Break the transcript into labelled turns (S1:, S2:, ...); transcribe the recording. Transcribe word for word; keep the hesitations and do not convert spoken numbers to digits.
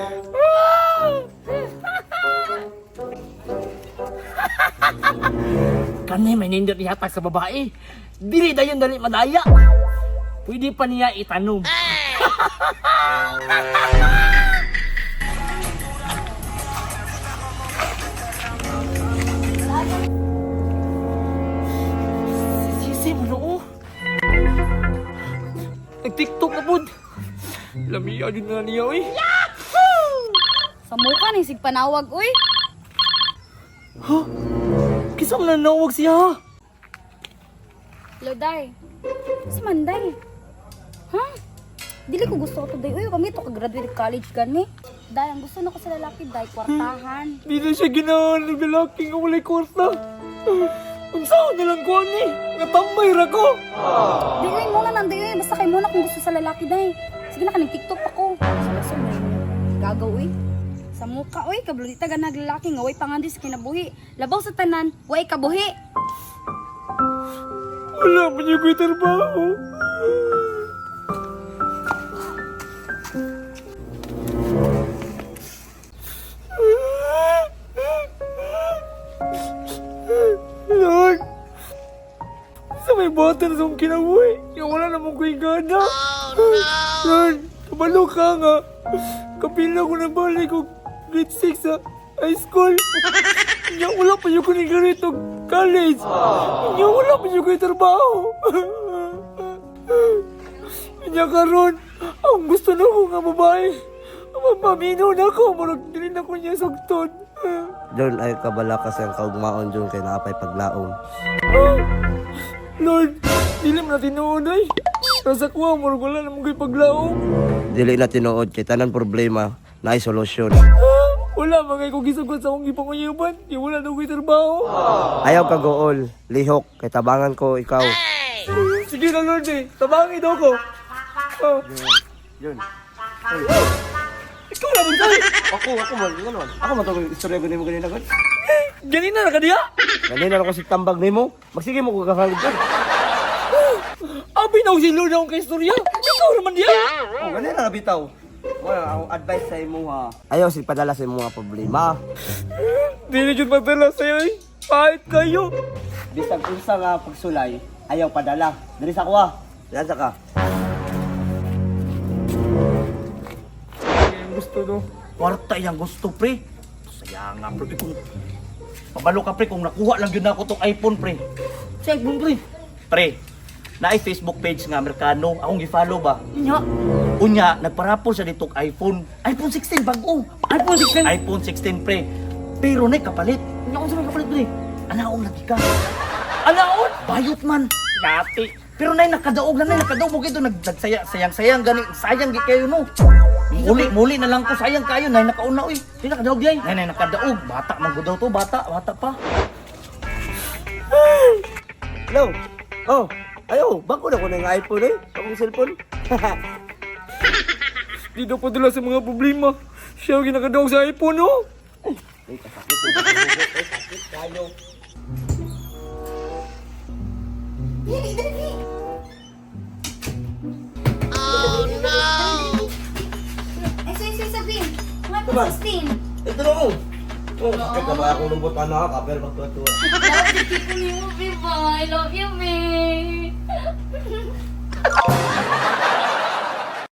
S1: Kanay may nindot ihatag sa babae. Dili dayon dali madaya. Pwede pa niya itanong. Sisi mo no. Nag-tiktok na pod. Lamiya din na niya oy.
S2: Sa mukha ni sig panawag uy.
S1: Ha? Kisang nanawag siya.
S2: Loday. Si Manday. Ha? Dili ko gusto ko to day. Uy, kami to ka-graduate college gani. Day, ang gusto na ko sa lalaki, day, kwartahan.
S1: Di na siya ginahan ng lalaki nga walay kwarta. Ang saan na lang ko ni. Natambay ra ko.
S2: Day, uy, muna nang day, uy. Basta kayo muna kung gusto sa lalaki, day. Sige na ka, nag-tiktok ako. Sa laso mo gagaw, uy. Sa mukha, uy, kabludita ka naglalaki nga, uy, pangandi sa kinabuhi. Labaw sa tanan, uy, kabuhi.
S1: Wala pa niya ko'y trabaho. Lord, sa may bata na sa kong kinabuhi, yung wala namang ko'y gana. Lord, kabalo ka nga. Kapila ko na balik ko grade six sa high school. Yung wala pa yung kunigarito college. Yung wala pa yung ko'y trabaho. Kanya karon, ang gusto na ko nga babae. Maminaw na ako, marag din ako niya sugtod.
S3: Doon ay kabala kasi ang kaugmaon dyan kay nakapay paglaom.
S1: Ah, Lord, dili mo na tinuod ay. Nasa kuha, marag wala namang ko'y paglaong.
S3: Dili na tinuod kay tanan problema na ay solusyon.
S1: Ah, wala mga kong gisagot sa akong gipanguyaban. Yung wala na ko'y trabaho.
S3: Ayaw ka gool, lihok, kay tabangan ko ikaw.
S1: Sige na Lord eh, tabangin daw ko. Oh.
S3: Yun.
S1: Ikaw na bang tayo?
S3: Ako, ako man, gano'n. Ako man itong istorya ko mo ganyan agad.
S1: Ganina na ka diya?
S3: Ganyan ako si tambag ni mo. Magsige mo ko kakalig ka.
S1: Abi na si Lord akong kaistorya. Ikaw naman diya.
S3: Oh, ganyan na nabitaw. Wala akong advice sa imo ha. Ayaw si padala sa imo mga problema.
S1: Di na dyan magdala sa'yo eh. Pahit kayo.
S3: Bisag unsa nga pagsulay, ayaw padala. Dali sa kuha. Yan sa ka.
S1: Ang gusto no. Kwarta yung gusto pre. Saya nga pre. Kung pabalo ka pre kung nakuha lang yun ako tong iPhone pre. Sa iPhone pre. Pre, na ay Facebook page nga Amerikano. Akong gi-follow ba? Nya. Unya, nagparapol siya ditong iPhone. iPhone sixteen bago. iPhone sixteen. iPhone sixteen pre. Pero na kapalit. Nya kung sa kapalit pre. Anaon lagi ka. Anaon? Bayot man. Yati. Pero nay nakadaog na nay nakadaog mo gito nag nagsaya sayang-sayang gani sayang gi kayo no. Muli muli na lang ko sayang kayo nay nakauna oy. Di nakadaog yay. Nay nay nakadaog bata man gud daw to bata bata pa.
S3: Hello? Oh, ayaw. Bako na ko ng iPhone eh. Akong cellphone.
S1: Di daw padala sa mga problema. Siya ang ginakadaog sa iPhone no.
S3: Ay, kasakit. Ay, sakit kayo.
S2: Dili, dili.
S4: Oh no!
S2: Ay, say, say, sabihin. Mga
S3: Diba?
S2: sixteen.
S3: Ito na oh. Oh, sakit na ba akong lumbot anak? Kapel magtuwa-tuwa.
S2: Love you, keep on you, baby. I love you, babe.